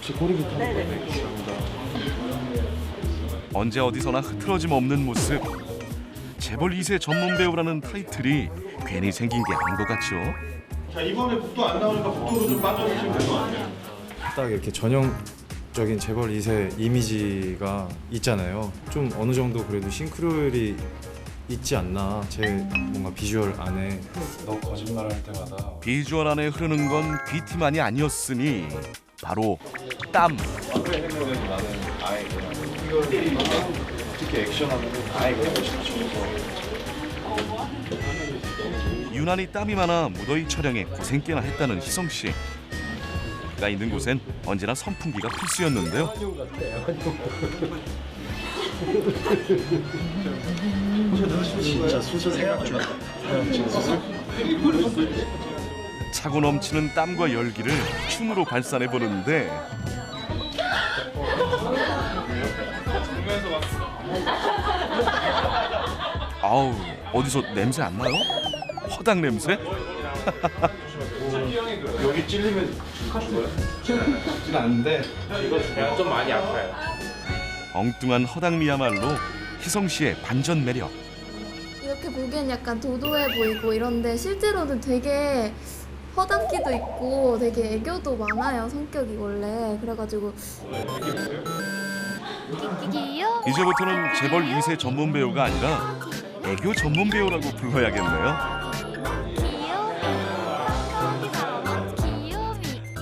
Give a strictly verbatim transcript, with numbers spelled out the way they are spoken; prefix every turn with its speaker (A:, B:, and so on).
A: 제 꼬리부터 한번 보겠습니다.
B: 언제 어디서나 흐트러짐 없는 모습. 재벌 이 세 전문 배우라는 타이틀이 괜히 생긴 게 아닌 것 같죠.
C: 자, 이번에 북도 안 나오니까 북도로 좀 빠져주시면 될 것 같아요.
A: 딱 이렇게 전형적인 재벌 이 세 이미지가 있잖아요. 좀 어느 정도 그래도 싱크로율이 있지 않나. 제 뭔가 비주얼 안에. 너 거짓말할 때마다
B: 비주얼 안에 흐르는 건 귀티만이 아니었으니 바로 땀.
A: 앞에 생각에는 나는 아예 그냥 이걸 때리거나 특히 액션하면 아예 그냥 멋있어서.
B: 유난히 땀이 많아 무더위 촬영에 고생 꽤나 했다는 희성 씨. 그가 있는 곳엔 언제나 선풍기가 필수였는데요.
A: 진짜 수술 생각 중.
B: 차고 넘치는 땀과 열기를 춤으로 발산해 보는데 아우, 어디서 냄새 안 나요? 허당 냄새?
A: 여기 찔리면 죽어요? 죽진 않는데 이거 죽어요.
C: 좀 많이 아파요.
B: 엉뚱한 허당미야말로 희성 씨의 반전 매력.
D: 이렇게 보기엔 약간 도도해 보이고 이런데 실제로는 되게 허당기도 있고 되게 애교도 많아요, 성격이 원래. 그래가지고
E: 끼끼요?
B: 이제부터는 재벌 이 세 전문 배우가 아니라 애교 전문 배우라고 불러야겠네요.